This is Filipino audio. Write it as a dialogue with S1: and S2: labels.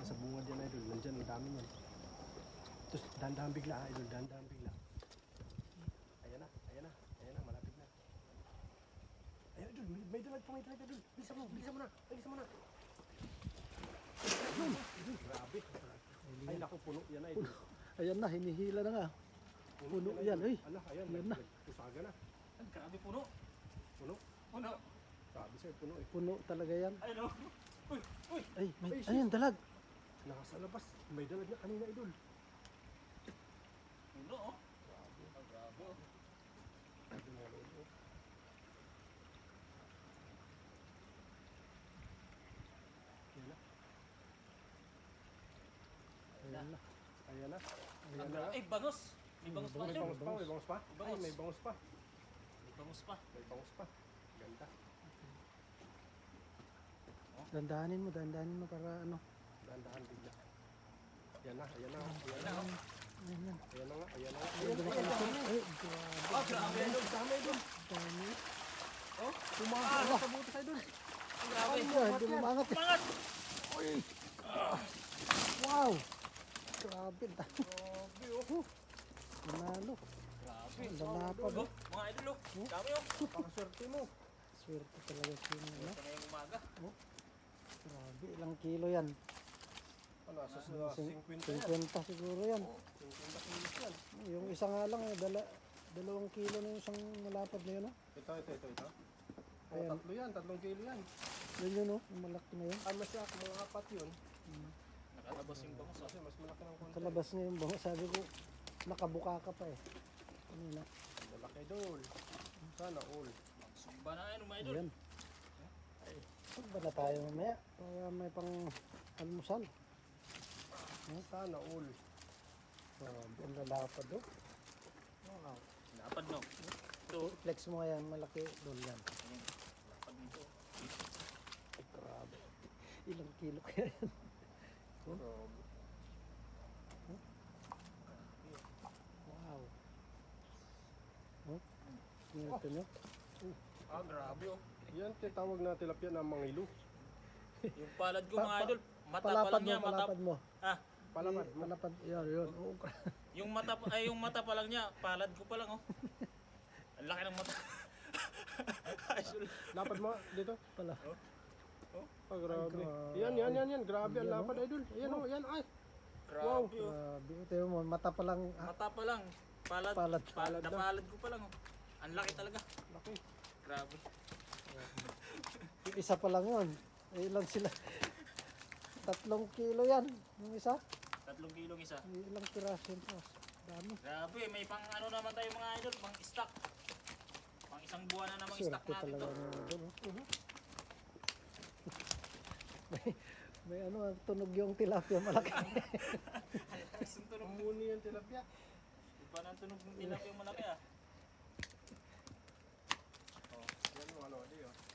S1: Nasa bungad yan idol. Nandyan, ang dami yan. Tapos dahan-dahan bigla idol, dahan-dahan bigla. Ayan na, ayan na, ayan na, malapit na. Ayan idol, may dalag pa, idol. Bilisan mo na, bilisan mo na. Idol, grabe. Ay naku, puno yan idol.
S2: Ayan na, hinihila na nga. Puno yan, ay.
S1: Ala, ayan,
S2: Ayan na.
S1: pusaga na.
S3: Ang grabe puno.
S1: Puno.
S3: Puno.
S1: Sabi sa'yo, puno eh.
S2: Puno talaga yan.
S3: Ay no. Uy, uy.
S2: Ay, may,
S1: Ay,
S2: ayan, dalag.
S1: Nasa labas, may dalag na kanina idol.
S3: Puno oh. Ang grabe oh.
S1: Ayan na,
S2: Ayan na.
S1: ayan na.
S3: Ang
S1: Ayan na.
S3: grabe. Ay, bangos. May bangos pa
S1: May
S3: idol.
S1: bangus pa, may bangus pa.
S3: May
S1: Ay,
S3: bangus.
S1: may bangus pa.
S3: May bangos pa.
S1: May bangus pa. Ganda.
S2: Dandahanin mo para ano.
S1: Dahan-dahan bigla. Ayan na, ayan na. Ayan
S3: Ayun
S1: na.
S3: na oh.
S2: Ayan yan.
S1: Ayan na nga, ayan na nga.
S2: Ayan, dumakalusot. Ay, grabe.
S3: Ah, grabe idol.
S1: Dami idol.
S2: Dami.
S1: Oh, tumakas sa butas idol.
S3: Ang grabe.
S2: Ay, hindi umangat eh.
S3: Mangat.
S2: Wow! Grabe.
S1: Grabe oh.
S2: Manalo.
S3: Grabe.
S2: Ang lalapad.
S3: Oh, mga idol oh. Dami oh.
S1: Pakaswerte mo.
S2: Swerte talaga sino.
S3: Ito na yung umaga.
S2: Grabe, ilang kilo yan?
S1: Ano, sa 50 yan.
S2: 50 siguro yan.
S1: 50 kilos yan.
S2: Yung isa nga lang, 2 kilo na yung isang malapad na yun. Oh.
S1: Ito. Oh,
S2: Ayan.
S1: 3 yan, 3 kilo yan.
S2: Yun, oh, yung malaki na yun.
S1: Ano siya, mga apat yun.
S3: Nakatabas yung bangos oh.
S1: Kasi mas malaki ng konti.
S2: Kalabas na yung bango. Sabi ko, nakabuka ka pa eh. Kanina.
S1: Malaki idol. Sana all.
S3: Sumba na ngayon mga idol.
S2: Ayan. Saan ba na tayo mamaya? Para may pang almusal.
S1: Sana all.
S2: Grabe, ang lalapad oh. Wow.
S3: Lapad no. Ito.
S2: Flex mo yan, malaki doon yan.
S3: Lapad nito.
S2: Grabe. Ilang kilo kaya yan?
S1: Grabe.
S2: Wow. Oh, ito nyo.
S3: Ah, grabe oh.
S1: Yan, tinatawag na tilapia na mangilo.
S3: Yung palad ko mga idol. Mata pa
S2: Palapad
S3: lang
S2: mo,
S3: niya. Mata.
S2: palapad mo.
S3: Ah.
S1: Palapad mo.
S2: Palapad, yun. Oh,
S3: Yung mata pa lang niya. Palad ko pa lang oh. Ang laki ng mata. Idol.
S1: Lapad mo dito.
S2: pala.
S1: Ah, grabe.
S2: grabe.
S1: Yan. Grabe ang
S2: Yan,
S1: lapad idol. Ayan oh, yan ay.
S3: Grabe
S1: Wow.
S3: oh.
S2: Grabe. Ito mo, mata pa lang.
S3: Mata pa lang. Palad.
S2: Palad.
S1: Palad daw.
S3: Napalad ko pa lang oh. Ang laki talaga.
S1: Laki.
S3: Grabe.
S2: Yung isa pa lang yun. Eh, ilan sila? 3 kilo yan. Yung isa.
S3: 3 kilong isa.
S2: Ilang piraso yun po. Dami.
S3: Grabe, may pang ano naman tayo mga idol, pang stock. Pang isang buwan na namang stock
S2: Swerte
S3: natin
S2: talaga
S3: to.
S2: ng doon. May ano, tunog yung tilapia malaki.
S3: Isang tunog.
S1: Muni yung tilapia.
S3: Iba na ang tunog ng tilapia yung malaki ah.
S1: Yan yung ano, di oh.